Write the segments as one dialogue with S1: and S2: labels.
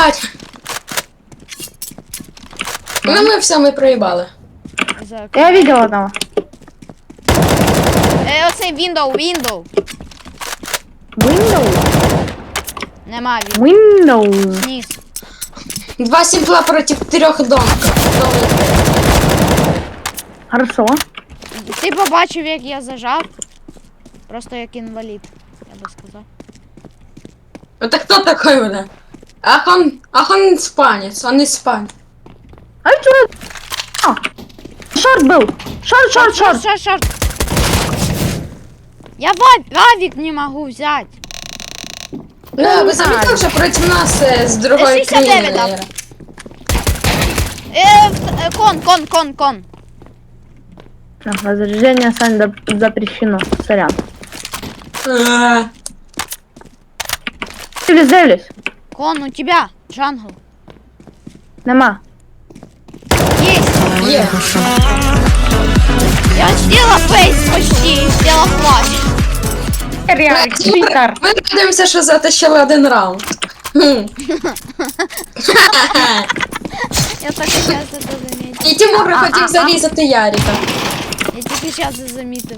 S1: блядь! Ну ми все, ми проїбали.
S2: Я видел одного.
S3: Оцей window.
S2: Windows?
S3: Нема він.
S2: Windows.
S3: Ніс.
S1: 2 сімпла проти 3 домка.
S2: Хорошо.
S3: Ти побачив, як я зажав? Просто як інвалід, я би сказав.
S1: Это кто такой, бля? Ах он испанец, он испанец.
S2: А что? Шорт был. Шорт.
S3: Шорт. Я авик не могу взять.
S1: Да, вы заметили, что против нас с другой
S3: 69, да.
S1: краины?
S3: Кон.
S2: Разряжение, Сань, запрещено. Сорян. Дивлюсь.
S3: Кон, у тебя, джангл.
S2: Нема.
S3: Есть.
S1: Е.
S3: Я сделала фейс почти, сделала клатч.
S2: Реально, Твиттер.
S1: Ми дивимося, що затащили 1 раунд.
S3: Я так сейчас это заметил.
S1: І Тимур хотів зарізати Ярика.
S3: Я тільки сейчас это заметил.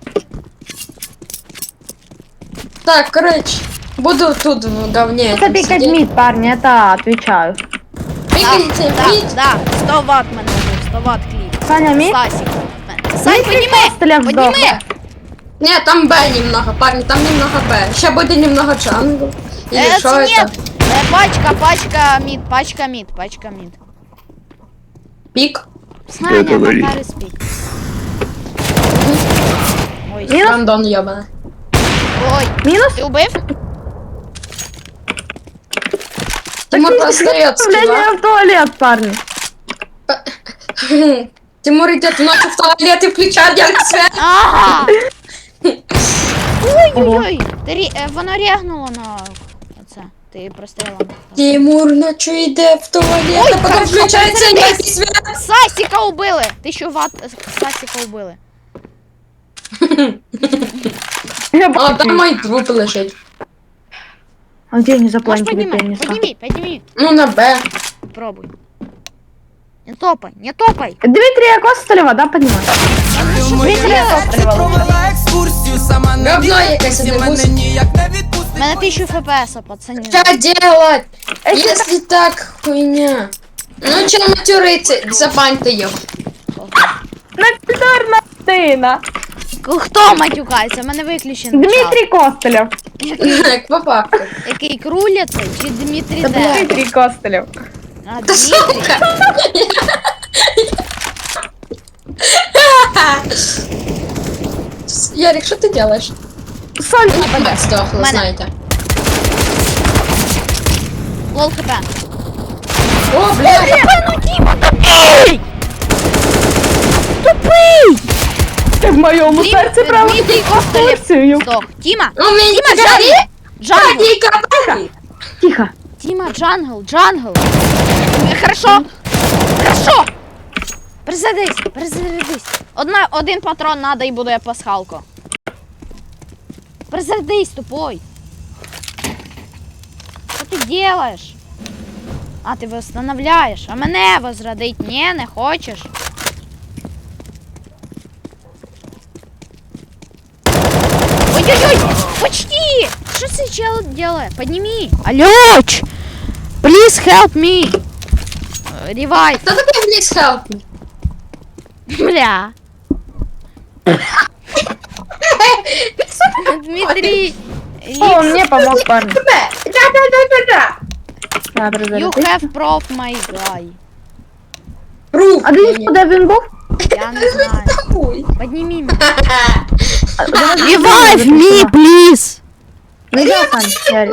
S1: Так, короче, буду тут в говне.
S2: Это пикать мид, парни, это отвечаю.
S1: Пикайте, мид.
S3: Да, 100 ватт мене був, 100 ватт кліп.
S2: Саня, мид?
S3: Стасик. Сань,
S2: Стреляв
S3: подніми!
S2: сдохла.
S1: Не, там Б немного, парни, там немного Б. Сейчас будет немного джангл. Или что
S3: Це
S1: это?
S3: нет. Пачка мид.
S1: Пик?
S3: Саня, Макар спик. Ой,
S2: Минус?
S1: Рандон ебаный.
S3: ой,
S2: Минус?
S3: ти убив?
S1: Тимур простает
S2: Вступление в туалет, парни.
S1: Тимур идет ночью в туалет и включает яркий свет.
S3: Ага! Ой-ой-ой! Воно рягнуло на оце. Ти прострілом.
S1: Тимур ночью идет в туалет,
S3: Ой,
S1: а потом
S3: хорошо,
S1: включается
S3: приземлись.
S1: яркий свет.
S3: Сасіка убили! 1000 ватт Сасіка убили.
S1: А там мой труп лежит.
S2: А где они
S3: Можеш
S2: запланили перенесла?
S3: підніми.
S1: Ну на Б.
S3: Пробуй. Не топай.
S2: Дмитрия Костолева, да, понимаешь?
S3: Дмитрія
S4: Провела екскурсію, сама не
S1: Говно
S4: вірить,
S1: якесь,
S4: і
S1: не
S4: мене
S1: гусь.
S4: ніяк не відпустить.
S3: У мене 1000 фпс, пацани.
S1: Что делать, если так хуйня? Ну че матюриться, забаньте ее.
S2: Напидорна сына.
S3: Хто матюкається? У мене виключений чат.
S2: Дмитрий Костолев.
S1: По факту.
S3: Який круляться чи Дмитрій
S1: Та
S3: Де?
S1: бля.
S2: Дмитрий Костолев.
S3: А,
S1: Да
S3: Дмитрій?
S1: сука! Ярик, что ты делаешь?
S2: Соль.
S1: Блядь, сдохла,
S3: Мене.
S1: знаете.
S3: Лол хп.
S1: О, блядь!
S3: Ну Тіма, тупий! Тупий!
S2: Ты в моем сердце правда.
S3: Дмитрій Костолєв. Здох. Тіма!
S1: У меня
S3: Тіма, джангл! Джангл!
S1: Ярик,
S2: Тихо.
S3: Тіма, джангл! Хорошо! Перезарядись! Один патрон надо і буде пасхалко. Перезарядись, тупой! Що ти делаєш? А, ти восстановляєш, а мене возродить? Ні, не хочеш? Ой-ой-ой! Почти! Що цей чел делает? Подними! Алёч! Please help me! Ревайв!
S1: Кто такой Близ Help Me?
S3: Бля! Дмитрий!
S2: О, он мне помог, парни.
S1: Да.
S2: Да,
S3: You
S2: разорвись.
S3: have prof, my guy.
S1: Рух.
S2: А ты куда він був?
S3: Я не знаю.
S1: Хуй.
S3: Подними меня.
S2: Revive
S3: Revive me, please!
S2: Ну я, Сань, Ярик.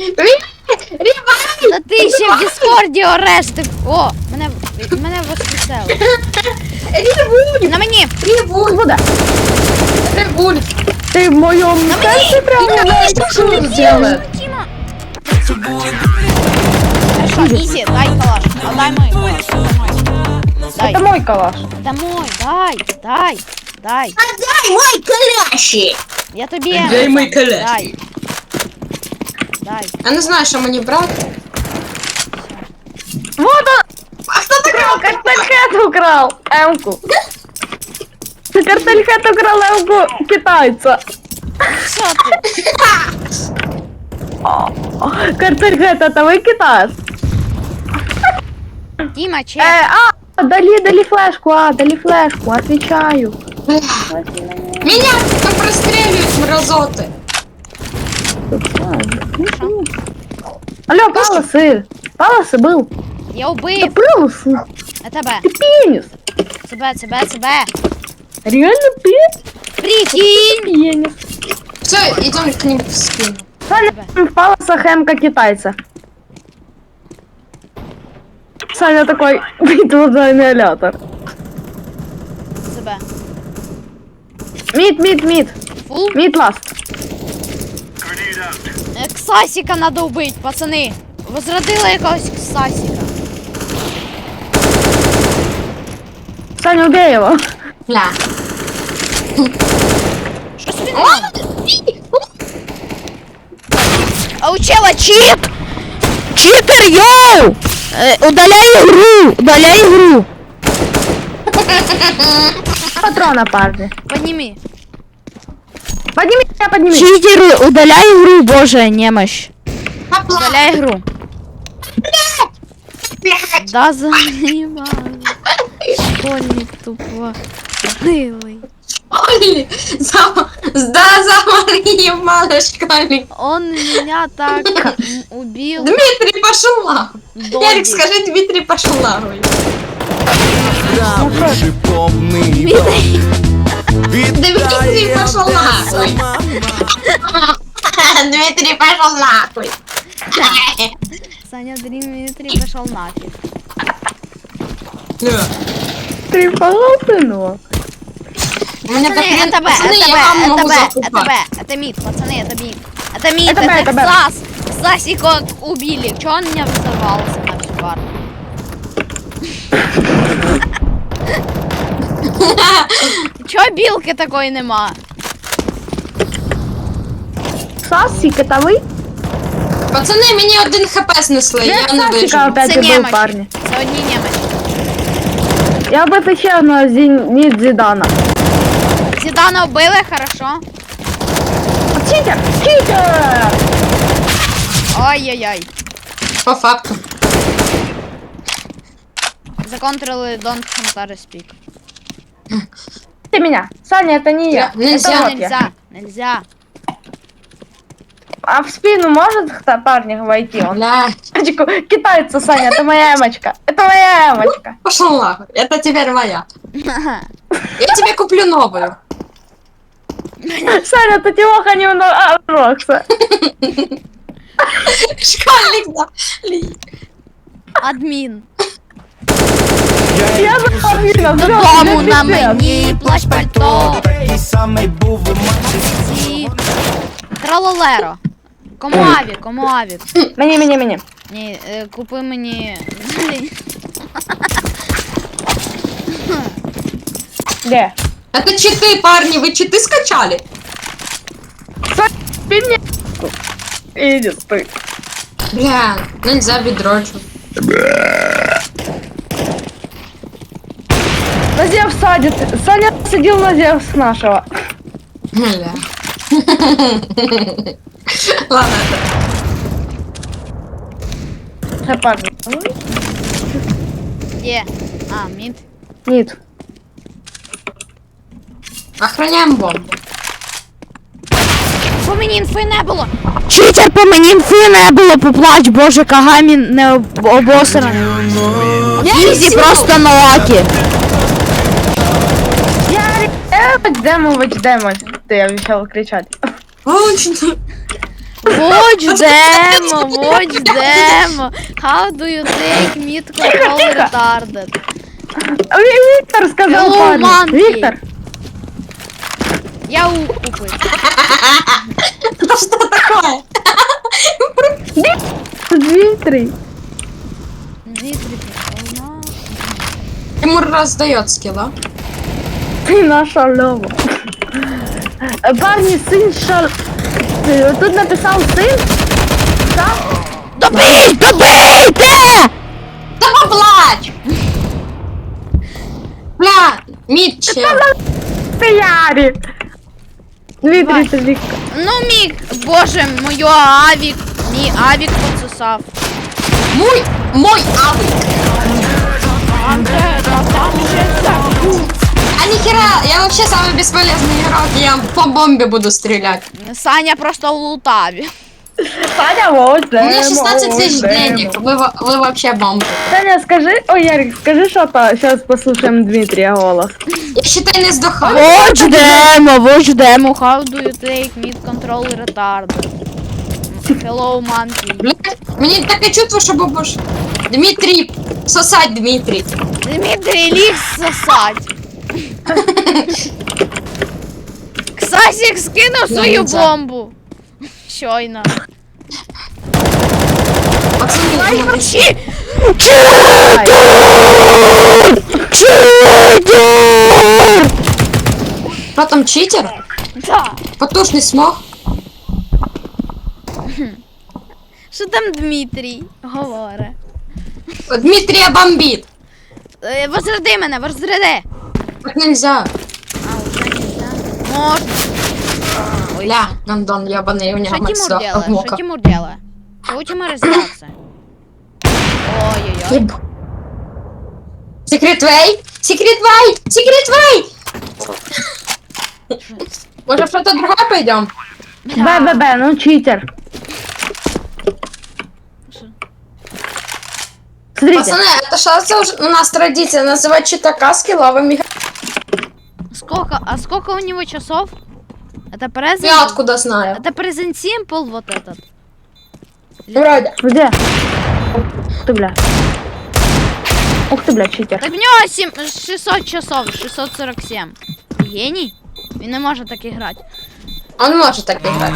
S3: Та ти ще в Діскорді ореш, ти... О, мене воскресили. На мені!
S2: Куда?
S1: Ревуль.
S2: Ты в моем сердце правда.
S1: Что он делает?
S3: Тіма! Хорошо, Ізі, дай калаш. А дай мой калаш. Дай.
S2: Это мой калаш.
S3: Это мой, дай.
S1: Дай мой каляши.
S3: Я тобі.
S1: Дай мой каляш.
S3: Дай.
S1: Я не знаю, що мені брати.
S2: украл М-ку. Картель Хэт украл М-ку китайца.
S3: Що ти?
S2: Картель Хэт, это вы китаец?
S3: Діма, чи?
S2: Дали флешку, дали флешку, отвечаю.
S1: Меня там простреливают, мразоты.
S2: Алло, Паласы был.
S3: Я
S2: Да
S3: убив.
S2: Паласы,
S3: А тебе.
S2: ты пенис.
S3: Себе.
S2: Реально
S3: Прикинь.
S2: пенис.
S1: Все, идем к ним в спину.
S2: Саня, в Паласах М-ка китайца. Саня такой, битва за аннигилятор.
S3: Себе.
S2: Мид.
S3: Фул.
S2: Мид ласт.
S3: Ксасіка надо вбити, пацани. Возродила якогось ксасіка.
S2: Саня, убей его.
S1: Бля.
S3: Що собі не надо? А у чела чит! Читер, йоу! Удаляй игру!
S2: Патрона, парни.
S3: Подними.
S2: Подними.
S3: Читер, удаляй игру, боже, немощь. Удаляй игру. Да занимал. Школьник тупо. Милый.
S1: Оли, замори, мало школьник.
S3: Он меня так убил.
S1: Дмитрий, пошел нахуй.
S3: Додик.
S1: Ярик, скажи, Дмитрий, пошел нахуй.
S4: Правый помный
S3: Дмитрий.
S1: Дмитрий пошел нахуй. Дмитрий пошел нахуй.
S3: Саня Дмитрий пошел нафиг.
S2: Ты полосы, ну.
S1: У меня
S3: Пацаны, это Б,
S1: пацаны,
S3: это
S1: я
S3: Б,
S1: вам могу
S3: это Б, это
S1: закупать.
S3: Б, это мид, пацаны, это мид. Это мид,
S2: Это Б, это
S3: это
S2: Б.
S3: Ксас. Ксасика убили. Чё он меня взорвался на всю карту? Чё билки такой нема?
S2: Сасик, это вы?
S1: Пацани, мені один хп снесли, я не
S2: Сасика
S1: вижу.
S2: опять
S3: Це
S2: был,
S3: немочі.
S2: парни.
S3: Це одні немочі.
S2: Я бы отвечал на Зенит Зидана.
S3: Зідана вбили, хорошо.
S2: Читер!
S3: Ой-ой-ой.
S1: По факту.
S3: Законтрили Don't Huntare Speak.
S2: Ты меня. Саня, это не я.
S1: Нельзя.
S2: Это вот я.
S3: Нельзя.
S2: А в спину может парни войти? Он
S1: Бля,
S2: китайца, Саня, это моя эмочка. Это моя эмочка.
S1: пошел нахуй. Это теперь моя. Я тебе куплю новую.
S2: Саня, это Тимоха немного Рокса.
S1: Школьник, да.
S3: Админ.
S2: Я за
S3: Дому на мені, плащ пальто.
S4: Такий самий був у мене.
S3: Ці. Тралолеро. Кому авік, кому авік.
S2: Мені.
S3: Ні, купи мені.
S2: Где?
S1: Это читы, парни, вы читы скачали?
S2: Саня, ты мне. Иди, стой.
S1: Бля, нельзя бедрочу.
S2: На Зевс садит. Саня садил на Зевс нашего.
S1: Бля. Ладно,
S2: Парни.
S3: Де? А, мід.
S2: Нет.
S1: охраняем бомбу.
S3: По мені інфи не було. Читер, по мені інфи не було, поплач, боже, Кагамі не обосраний. Ізі просто на лакі.
S2: Демович. Ты обещал кричать.
S1: Очень.
S3: Watch demo. How do you take mid control retarded?
S2: Виктор сказал,
S3: Hello,
S2: парни.
S3: monkey.
S2: Виктор.
S3: Я купив.
S1: Что такое?
S2: Дмитрий.
S3: Дмитрий,
S1: Тимур раздает скилла.
S2: Ты наша Лёва. Парни, сын шал... Тут написал сын. Да?
S3: добийте!
S1: Да поплачь! Мид, чел.
S2: Ты Ярик. Дмитрий,
S3: Давай.
S2: тобі.
S3: Ну, мій, боже, мій авік поцесав.
S1: Мой авик. А нихера, я вообще самый бесполезный игрок, я по бомбе буду стрелять.
S3: Саня просто в лутаві.
S2: Саня, вот,
S1: У меня 16 тысяч денег, вы вообще бомбы.
S2: Саня, скажи, ой, Ярик, скажи что-то, сейчас послушаем Дмитрия голос.
S1: Я считай не сдохаю.
S3: Watch demo, how do you take mid control retarded? Hello, monkey.
S1: Блядь, мне такое чувство, что бабуш. Дмитрий, сосать Дмитрий.
S3: Дмитрий ліг сосать. Ксасік скинув свою
S1: нельзя.
S3: бомбу. Щойно.
S1: Пацаны,
S3: Чи?
S1: кто там читер?
S3: Да.
S1: Потушный смог?
S3: Що там Дмитрій говорить?
S1: Дмитрия бомбит.
S3: Возроди мене, возроди.
S1: Так нельзя.
S3: А, уже нельзя. Можно.
S1: Ля, гандон ебаный, у него
S3: Что
S1: мать
S3: Тимур
S1: сдох.
S3: делает? Что Тимур делает? Учим разбираться. Ой-ой-ой.
S1: Секрет Вей! Секрет Вей! Секрет Вей! Может, что-то другое пойдем?
S2: БББ, ну читер. Смотрите,
S1: Пацаны, это сейчас уже у нас традиция называть читака скилловыми.
S3: Сколько у него часов? Это презент?
S1: Я откуда знаю?
S3: Это презент Simple вот этот.
S1: Вроде.
S2: где? Ух ты, бля. Ух ты, бля, читер.
S3: Так в нього 600 часов, 647. Геній? Він не може так грати.
S1: Он может так играть.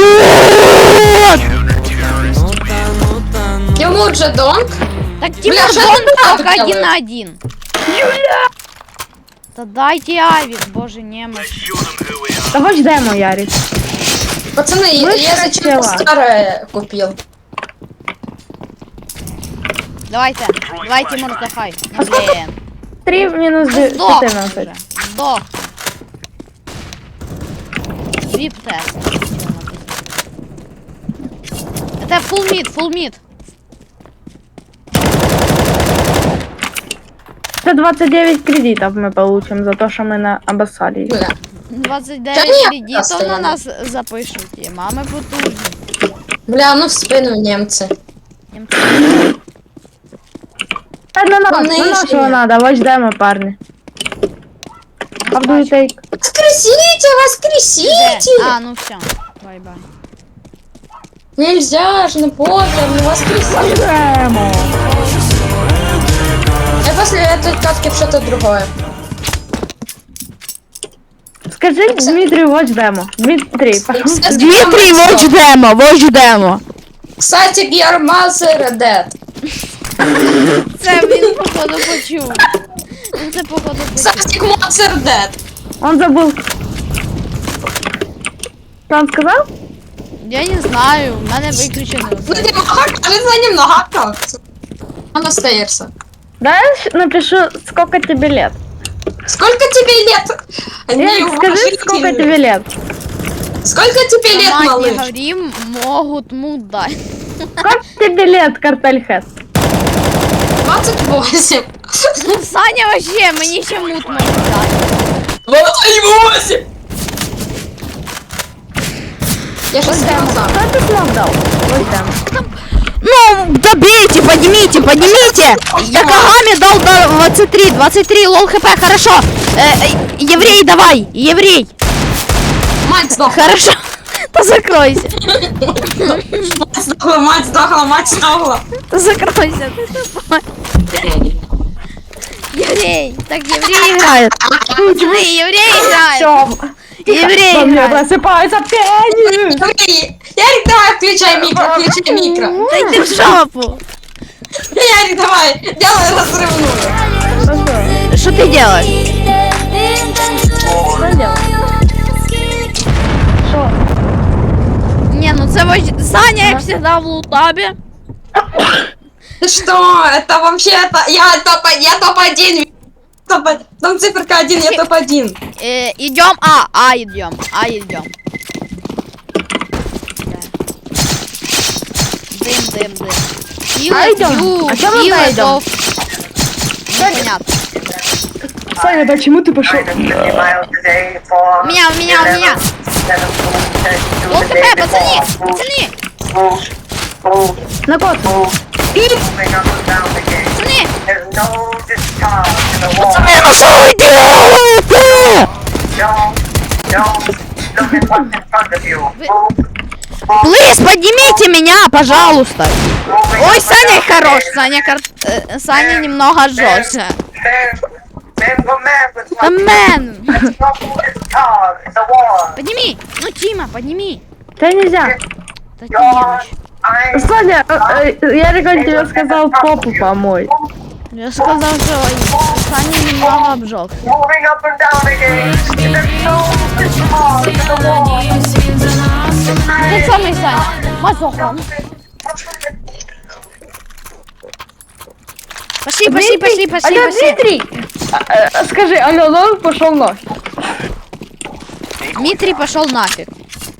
S1: Тимур же донг.
S3: Так Тимур
S1: что
S3: Дон
S1: ты так
S3: только один
S1: делаешь?
S3: на один. Юля! Да дайте авик, боже, немощь.
S2: Да хочешь демо, Ярик?
S1: Пацаны, я
S2: Вышка
S1: зачем-то
S2: тела.
S1: старое купил.
S3: Давайте, давай, Тимур, сдохай. Ну, блин.
S2: 3 минус
S3: Сдох
S2: 14.
S3: уже. Сдох. Вип-тест. Это full mid.
S2: 129 кредитов мы получим за то, что мы обоссали. их.
S1: Бля.
S3: 29
S1: нет,
S3: кредитов на
S1: постоянно.
S3: нас запишуть. Мами потужні.
S1: Бля, ну в спину немцы.
S2: Да, на нас,
S1: Полные
S2: на нашего
S1: решения.
S2: надо, watch демо, парни. How do you take?
S1: Воскресите, воскресите!
S3: А, ну все. Бай-бай.
S1: Нельзя же, ну позже, ну воскресите.
S2: Демо.
S1: Я после этой катки в что-то другое.
S2: Скажи Дмитрию watch демо. Дмитрий, пошел.
S3: Дмитрий, watch demo.
S1: Кстати, Гермазер Dead.
S3: Це він походу почув. Він це походу почув.
S1: Кстати, Монстр Dead.
S2: Он забыл. Что он сказал?
S3: Я не знаю, в мене виключено.
S1: Ну ты кажется, немного как-то. Он остается.
S2: Да, я напишу, сколько тебе лет.
S1: Сколько тебе лет?
S2: Ярик, скажи, сколько тебе лет.
S1: Сколько тебе лет,
S3: Мать не
S1: малыш?
S3: говори, могут мут дать.
S2: Сколько тебе лет, Картельхед?
S1: 28.
S3: Саня вообще, мені ще мут може дати.
S1: 28! Я же
S2: Watch демо.
S1: сказал.
S2: Кто ты смог дал? Watch демо.
S3: Ну, добейте, поднимите. Я Кагами дал до 23, лол хп, хорошо. Еврей, давай, еврей.
S1: Мать сдохла.
S3: Хорошо. Да закройся.
S1: Мать сдохла, мать сдохла, мать сдохла.
S3: Да закройся. Еврей. Так, еврей играет. Еврей играет.
S2: Всё.
S3: Еврей
S2: Во мне
S3: играет.
S2: просыпается пение.
S1: Ярик, давай, включай микро.
S3: Да иди в жопу.
S1: Ярик, давай, делай разрывную.
S3: Что ты делаешь?
S2: Что делать? Что?
S3: Не, ну це Саня, як всегда, в лутабе.
S1: Ты что? Это вообще, я топ-1. Там циферка 1, я топ-1.
S3: Идем идем. Идем. Дым.
S2: Идем. А чё мы пойдем?
S3: Непонятно.
S2: Саня, почему ты пошел?
S3: Меня. Лол хп, пацаны.
S2: На кот.
S3: Пацаны, ну что вы делаете? Плиз, поднимите меня, пожалуйста. Ой, Саня хорош. Саня немного жестче. Да, мэн. Подними. Ну, Тима, подними.
S2: Да нельзя.
S3: Да, Тимыч.
S2: Саня, я тебе сказал попу помой.
S3: Я сказал, что Саня немного обжег. Ты самый Саня. Мазохан. Пошли.
S2: Алло, Дмитрий! Скажи, алло, лол пошел нафиг.
S3: Дмитрий пошел нафиг.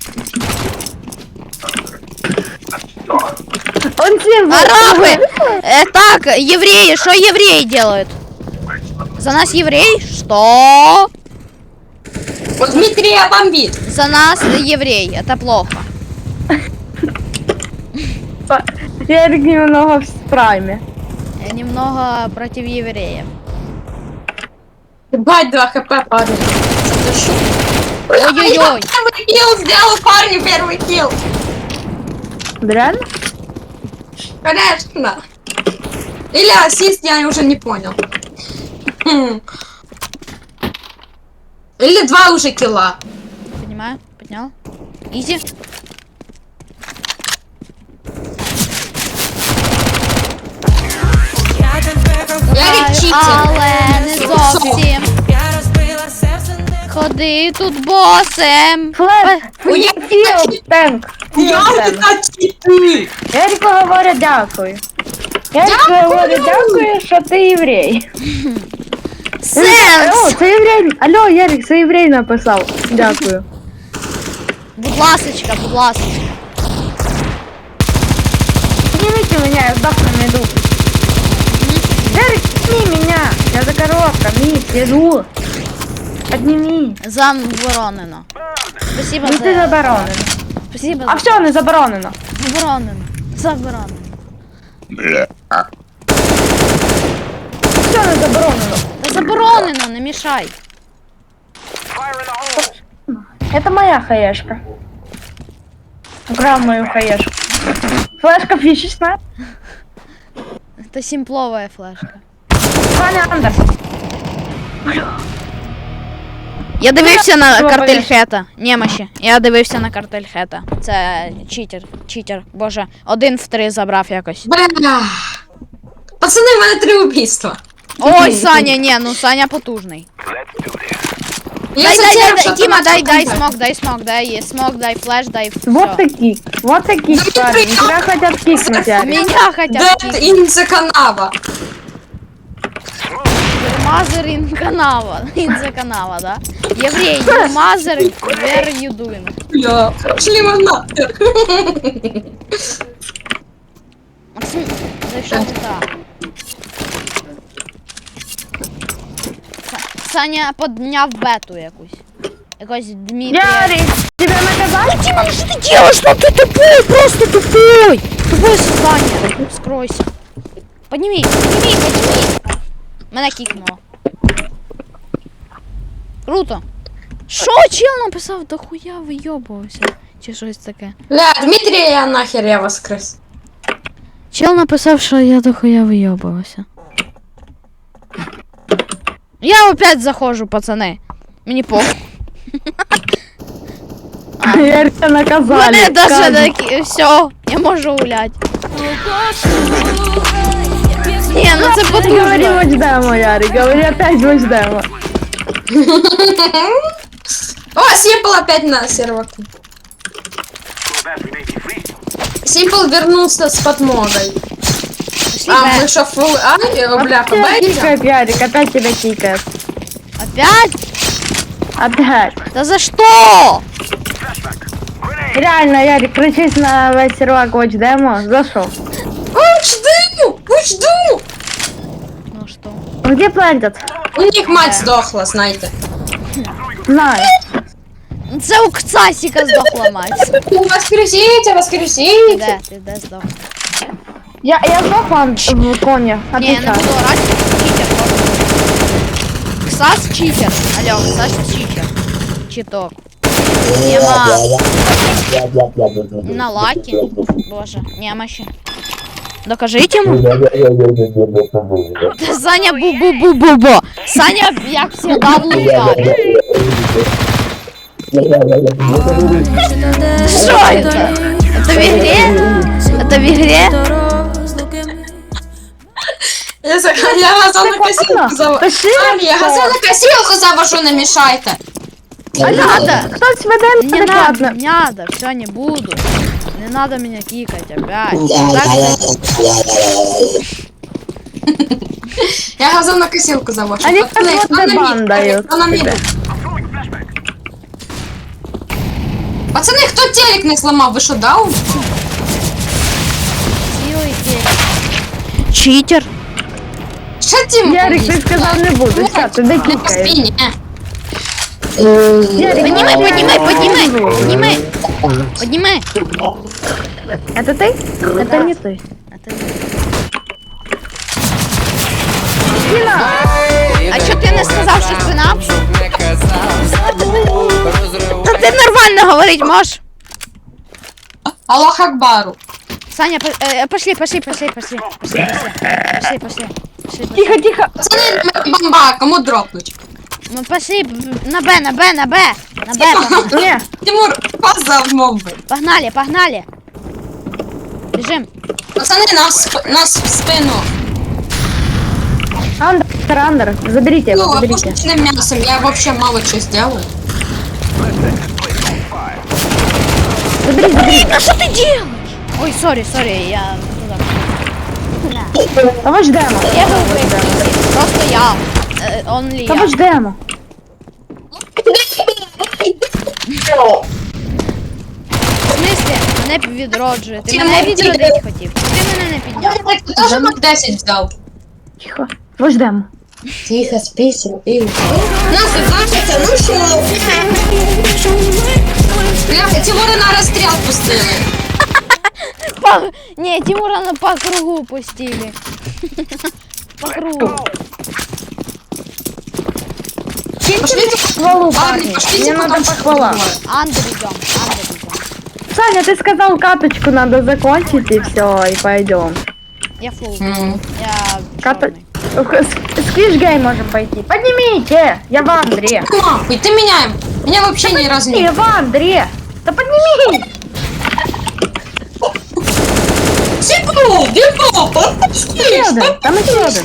S2: Он всем
S3: Арабы! Так, евреи, что евреи делают? За нас еврей? Что?
S1: Вот Дмитрия бомбит.
S3: За нас еврей, это плохо.
S2: Я немного в прайме.
S3: Я немного против евреев.
S1: Бать 2 хп, парень. Задушу.
S3: Ой-ой-ой.
S1: Первый килл сделал парню, первый килл.
S2: Реально?
S1: Конечно. Или ассист, я уже не понял. Или 2 уже килла.
S3: Понимаю, поднял. Изи.
S1: Я читер.
S3: Але не зовсім. Ходи тут босем.
S2: Флеш,
S1: Ой, я
S2: філ, танк.
S1: Я это читер.
S2: Ярику говорю дякую. Ярику говорю дякую, що ти єврей. О,
S3: Сенс.
S2: це єврей. Алло, Ярик, це єврей написав. Дякую.
S3: Будь ласочка, будь ласочка.
S2: Поднимите меня, я сдохну на иду. Ярик, подними меня. Я за коробка, Мит, иду. Подними.
S3: Заборонено. Спасибо
S2: Ну ти
S3: за...
S2: заборонено.
S3: Спасибо
S2: А
S3: за...
S2: все, не заборонено.
S3: Заборонено.
S2: Все не заборонено.
S3: Та заборонено, не мішай.
S2: Это моя хаешка. Украл мою хаешку. Флешка фишечная.
S3: Це симпловая флешка.
S2: Саня Андер.
S3: Я дивився на
S2: Що
S3: картель
S2: боїш?
S3: Хета. Немощі. Я дивився на картель Хета. Це читер. Боже, 1 в 3 забрав якось.
S1: Бля. Пацани, в мене 3 убийства.
S3: Ой, Саня, ні, ну Саня потужний.
S1: Я
S3: Дай,
S1: затеряв, що
S3: Тіма,
S1: там
S3: дай
S1: контент.
S3: смок, дай флеш, дай все.
S2: Вот такие парни. Тебя хотят кикнуть, Ярик.
S3: Меня хотят
S1: Dead
S3: кикнуть.
S1: in the канава.
S3: Мазер ин канава, да? Еврей, you мазер, where you doing?
S1: Бля, шли мы нахер.
S3: Максим, зайшов туди. Саня подняв бету якусь. Якось Дмитрія.
S2: Ярик, тебя наказали?
S3: Дима, ну что ты делаешь? Ну ты тупой, просто тупой. Тупое создание. Скройся. Подними. Мене кикнуло. Круто. Шо чел написав? Да хуя вийобувався. Чи щось таке.
S1: Бля, Дмитрия я нахер, я воскрес.
S3: Чел написав, що я до хуя вийобувався. Я опять заходжу, пацани. Мені похуй.
S2: Ярика наказали.
S3: Мене даже
S2: Сказано.
S3: такі, все, я можу гулять. Ні, ну це
S2: Говори
S3: потужно.
S2: watch demo, Ярик, говори опять watch demo.
S1: О, Симпл опять на серверку. Симпл вернулся с подмогой.
S3: Пошли
S1: А,
S3: Б.
S1: мы что, фул А? Бляха, Б
S2: Опять
S1: идем?
S2: тикает, Ярик, опять тебя тикает.
S3: Опять?
S2: Опять.
S3: Да за что?
S2: Реально, Ярик, кричись на весь сервак Watch Demo. Зашел.
S1: Жду!
S3: Ну что?
S2: Где плантят?
S1: У них мать сдохла, знаете.
S2: Знаю.
S3: Це у Кцасіка здохла мать.
S1: Воскресите!
S3: Ти де здох?
S2: Я сдох вам в коне.
S3: Ні, я не
S2: Отвечаю.
S3: буду орати, читер просто. Ксас читер. Алло, Ксас читер. Читок. Нема. На лаки. Боже, нема ще. Докажіть йому. Саня бу-бу-бу-бу-бу. Саня, як всегда, в лутаві. Что это? Это в игре? Это в игре?
S1: Я газонокосилку завожу.
S2: Пиши.
S1: Я газонокосилку завожу, не мешайте.
S2: А надо. Кто-то ведет
S3: Не надо,
S2: адекватно.
S3: не надо, все, не буду. Не надо меня кикать опять. Так,
S1: Я газонокосилку завожу.
S2: Они
S1: Пацаны,
S2: как
S1: кто на
S2: вот
S1: мид?
S2: бан дают
S1: Кто на мид?
S2: тебе.
S1: Пацаны, кто телек не сломал? Вы что, даун?
S3: силы телек. Читер.
S1: Что Тим?
S2: Ярик, ты сказал не буду. Все, ты
S1: По
S2: докикаешь.
S1: спине.
S2: Ярик,
S3: Поднимай. Поднимай.
S2: это ты? Это не ты.
S3: Это не- А чё ты не сказал, что спина? Да ты нормально говорить можешь.
S1: Аллах Акбару.
S3: Саня, пошли.
S2: Тихо, тихо.
S1: Пацаны, бомба, кому дропнуть?
S3: Мы пошли на Б. На Б. Погнали.
S2: Не.
S1: Тимур, пас за мобы.
S3: Погнали. Бежим.
S1: Пацаны, нас в спину.
S2: Андер, заберите его,
S1: Ну,
S2: заберите.
S1: пушечным мясом, я вообще мало что сделаю.
S2: Забери.
S3: А что ты делаешь? Ой, сори, я туда.
S2: Помочь демо.
S3: Я был в просто я. Only я.
S2: Помочь демо.
S3: В смысле? Мене відроджує. Ти мене відродити хотів. Ти мене не підняв.
S1: Ты тоже мак 10 взял.
S2: Тихо. Помочь демо.
S1: Тихо, спейся, пей. Нас заканчивается, ну шо? Бля, Тимура на расстрел пустили.
S3: Не, Тимура на по кругу пустили. По кругу.
S1: Пошлите
S2: Похвалу,
S1: парни,
S2: парни.
S1: пошлите
S2: Мне надо
S1: потом
S2: похвала.
S3: Андер идем.
S2: Саня, ты сказал, каточку надо закончить и все, и пойдем.
S3: Я фул.
S1: М.
S3: Я
S2: Ката...
S3: чёрный.
S2: Сквиш-гей можем пойти. Поднимите! Я в Андре.
S1: Нахуй, ты меня вообще ни разу не...
S2: Я в Андре. Да подними!
S1: Типу, Димо, подпусти!
S2: Сюда, там еще один.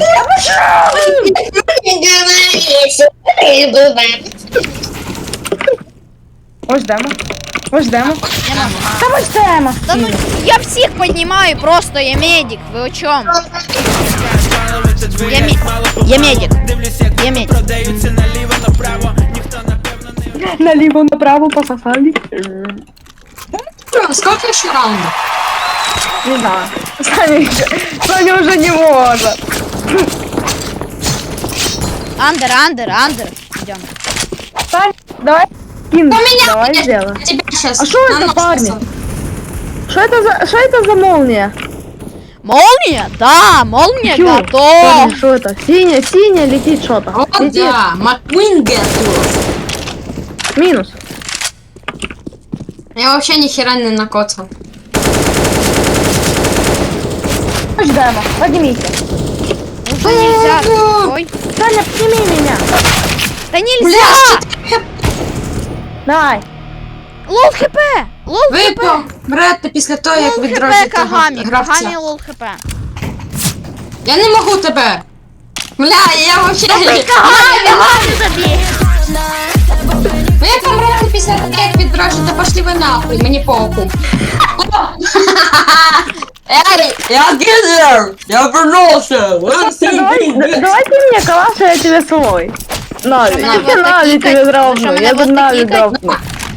S2: Ось демо. Ось демо. Там ось демо.
S3: Да ну, я всех поднимаю, просто я медик. Вы о чем? Я медик. Я медик.
S2: Наліво, направо, пососали.
S1: Сколько еще раундов?
S2: Не знаю. Саня уже не может.
S3: Андер. Идем.
S2: Саня, давай. Кин,
S1: меня
S2: давай
S1: нет.
S2: сделаем.
S1: Тебя сейчас...
S2: А что это, парни? Что это за молния?
S3: Молния? Да, молния
S2: Чё?
S3: готова.
S2: Парни, что это? Синяя летит что-то.
S1: Вот
S2: Летит.
S1: да, Маквин готов.
S2: Минус.
S1: Я вообще ни хера не накоцал.
S2: Ось демо. Поднимите.
S3: Уже нельзя. Ой.
S2: Саня, подними меня.
S3: Да
S1: Бля,
S3: нельзя.
S2: Давай.
S3: Лол хп. Лол
S1: випив
S3: хп.
S1: брати після того, як
S3: Лол
S1: відроджити
S3: хп Кагамі.
S1: гравця.
S3: Кагамі лол хп.
S1: Я не можу тебе. Бля, я вообще...
S3: Кагамі забій.
S1: Ну я помрати після того, як відроджити, пошли ви нахуй, мені похуй. Эй, я гизер! Я вернулся!
S2: Давай ты мне калаш, а я тебе свой. Нави,
S3: Что,
S2: я
S3: меня
S2: Нави
S3: вот
S2: тебе
S3: такие
S2: дропну,
S3: что,
S2: я
S3: меня
S2: тут
S3: вот
S2: Нави
S3: такие
S2: дропну.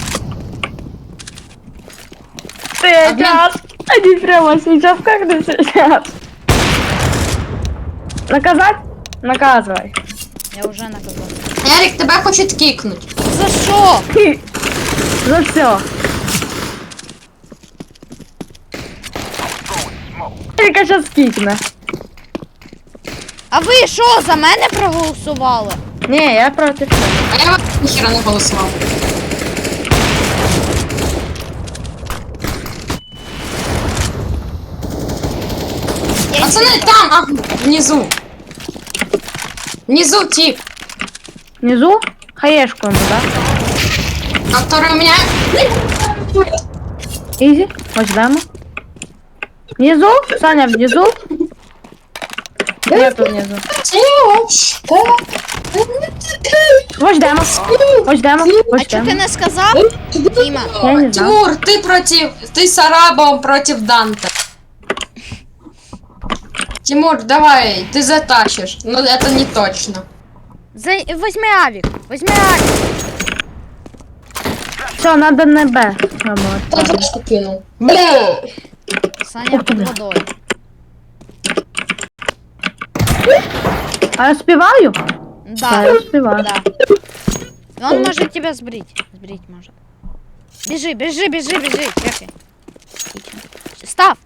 S2: Сейчас, они прямо сейчас, как ты сейчас? Наказать? Наказывай.
S3: Я уже наказал.
S1: Ярик, тебя хочет кикнуть.
S3: За що?
S2: За все. Эрика сейчас кикне.
S3: А ви що, за мене проголосували?
S2: Не, я против.
S1: А я вообще ніхера не голосував. Пацаны, там, внизу. Внизу тип,
S2: Внизу? Хаешку ему, да?
S1: который у меня...
S2: Изи, вот сюда ему. Внизу? Саня, внизу? Нету внизу. Вот демо. Вот демо.
S3: А чого ти не сказав? Діма.
S2: Я не знаю.
S1: Тимур, ты с Арабом против Данте. Тимур, давай, ты затащишь. Но это не точно.
S3: Возьми авік. Возьми авік.
S2: Все, надо на Б.
S1: Кто флешку кинул? Бля!
S3: Саня під водою.
S2: А я успеваю?
S3: Да.
S2: Я успеваю.
S3: Да. Он может тебя сбрить. Сбрить может. Бежи, бежи, бежи, бежи. Чекай. Отлично. Став.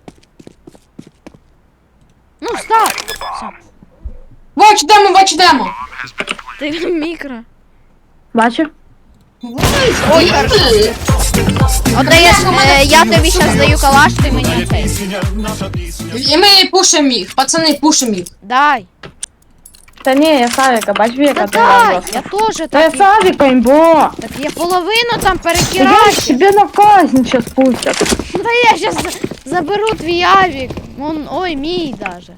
S3: Ну, став. Все.
S1: Watch demo!
S3: Ты микро.
S2: Бачу.
S3: Ой, хорошо. Отдаєш, я тобі зараз даю калаш, ти мені цей.
S1: И мы пушим их, пацаны, пушим их.
S3: Дай.
S2: Та не, я Савика, бач
S3: Та
S2: века.
S3: дай, я теж
S2: Та я
S3: так.
S2: Савика, имбо.
S3: Так я половину там
S2: Я
S3: перекираю.
S2: тебе на казнь сейчас пустят.
S3: Да я сейчас заберу твій авік. Ой, мій даже.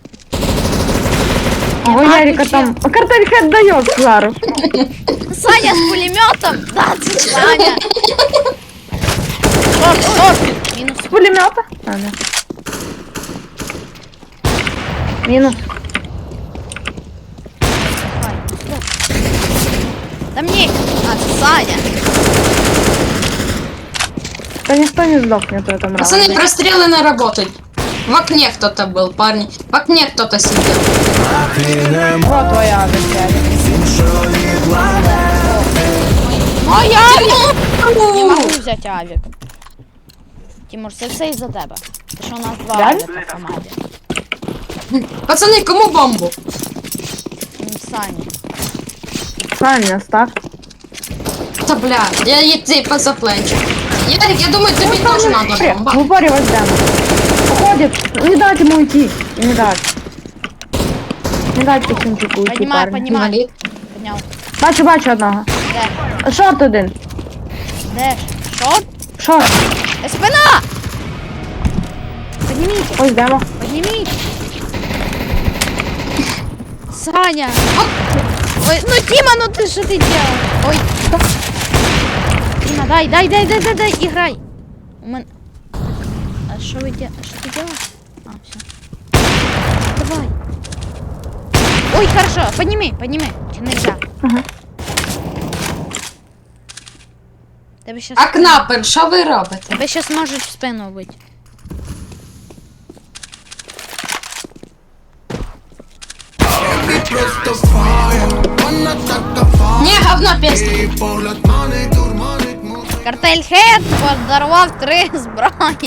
S2: Ой, Ярика там. А картель хед дает, Клару.
S3: Саня с пулеметом? Да, це Саня. Шорт, шорт. Минус.
S2: С пулемета? А, да. Минус.
S3: Да мне. А, це Саня.
S2: Да никто не сдохнет в этом
S1: Пацаны,
S2: раунде.
S1: прострелы не работают. В окне кто-то был, парни. В окне кто-то сидел.
S2: Вот твоя авиация.
S3: Мой авік. Не могу взять авік. Тимур, це все із-за тебе. Тому що у нас два
S2: Реально?
S3: авіка в команді.
S1: Пацаны, кому бомбу?
S3: Саня.
S2: Саня, ставь.
S1: Да бля, я ей поза плечи. Ярик, я думаю, тебе тоже надо бомба.
S2: В упоре вот дам. Уходит. Не дать ему уйти. Не дать. Не дать Кисенчику уйти,
S3: Поднимай,
S2: парень.
S3: поднимай.
S1: Инвалид.
S3: Підняв.
S2: Бачу одного.
S3: Де?
S2: Шорт один.
S3: Де? Шорт?
S2: Шорт.
S3: Спина! Поднимите,
S2: Ось демо.
S3: поднимите. Саня! Ой, ну Тима, ну ты что ты делаешь? Ой. Тима, дай, играй. У меня... А что вы делаете? Что ты делаешь? А, все. Давай. Ой, хорошо, подними. Тебе нельзя.
S2: Ага.
S3: Тебе сейчас...
S1: А кнапер, що ви робите?
S3: Тебе сейчас может в спину быть.
S1: Не, говно песня.
S3: Картель Хед подарував 3 зброї.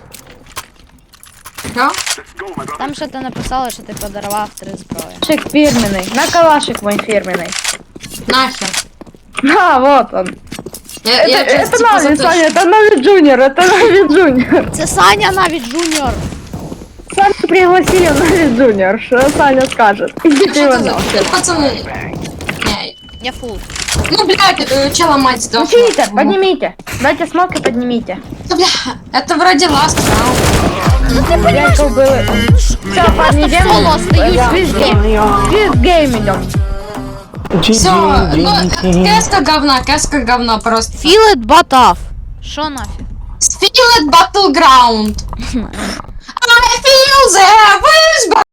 S1: Що?
S3: Там що ти написала, що ти подарував 3 зброї.
S2: Калашик фирменный. На калашик мой фирменный.
S1: Нахер.
S2: А, вот он. Это
S1: типа
S2: Нави,
S1: за
S2: Саня, это Нави Джуниор, это Нави Джуниор.
S3: Це Саня навіть Джуніор.
S2: Саню пригласили в Нави Джуниор, что Саня скажет. Идите
S1: Що
S2: его
S1: це за...
S2: нахуй.
S1: Пацани. Не.
S3: Я фул.
S1: Ну, блядь, чела мать сдохла.
S2: Читер, поднимите. Дайте смок и поднимите.
S1: Да, бля, это вроде ласт раунд.
S2: Яйков был. Все, парни, идем.
S3: соло остаюсь.
S2: Квиз гейм идем.
S1: Все, ну, кэска говна просто.
S3: Feel it but off. Що нафіг?
S1: Spirit Battleground. А, feel the wish